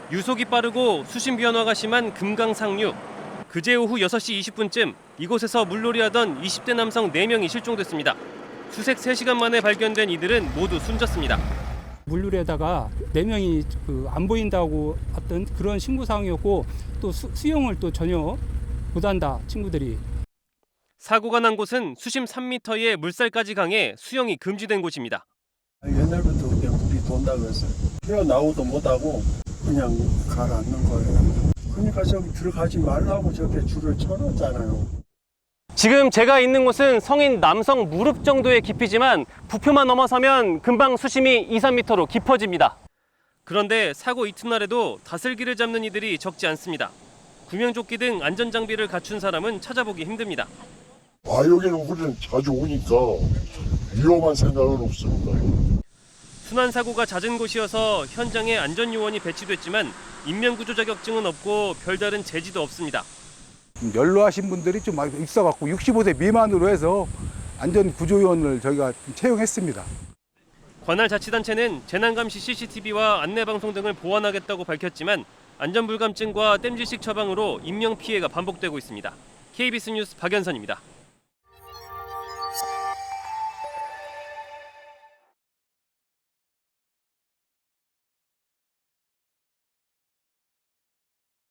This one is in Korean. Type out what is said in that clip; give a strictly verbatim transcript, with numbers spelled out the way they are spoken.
유속이 빠르고 수심 변화가 심한 금강상류. 그제 오후 여섯 시 이십 분쯤 이곳에서 물놀이하던 이십 대 남성 네 명이 실종됐습니다. 수색 세 시간 만에 발견된 이들은 모두 숨졌습니다. 물놀이에다가 네 명이 그 안 보인다고 어떤 그런 신고 사항이었고 또 수, 수영을 또 전혀 못한다 친구들이. 사고가 난 곳은 수심 삼 미터의 물살까지 강해 수영이 금지된 곳입니다. 옛날부터 그냥 물이 돈다고 했어요. 헤어나오도 못하고 그냥 가라앉는 거예요. 그러니까 저기 들어가지 말라고 저렇게 줄을 쳐놨잖아요. 지금 제가 있는 곳은 성인 남성 무릎 정도의 깊이지만 부표만 넘어서면 금방 수심이 이, 삼 미터로 깊어집니다. 그런데 사고 이튿날에도 다슬기를 잡는 이들이 적지 않습니다. 구명조끼 등 안전장비를 갖춘 사람은 찾아보기 힘듭니다. 아, 여기는 우리는 자주 오니까 위험한 생각은 없습니다. 순환사고가 잦은 곳이어서 현장에 안전요원이 배치됐지만 인명구조 자격증은 없고 별다른 제지도 없습니다. 연로하신 분들이 좀 있어갖고 육십오 세 미만으로 해서 안전구조요원을 저희가 채용했습니다. 관할 자치단체는 재난감시 씨씨티비와 안내방송 등을 보완하겠다고 밝혔지만 안전불감증과 땜질식 처방으로 인명피해가 반복되고 있습니다. 케이비에스 뉴스 박연선입니다.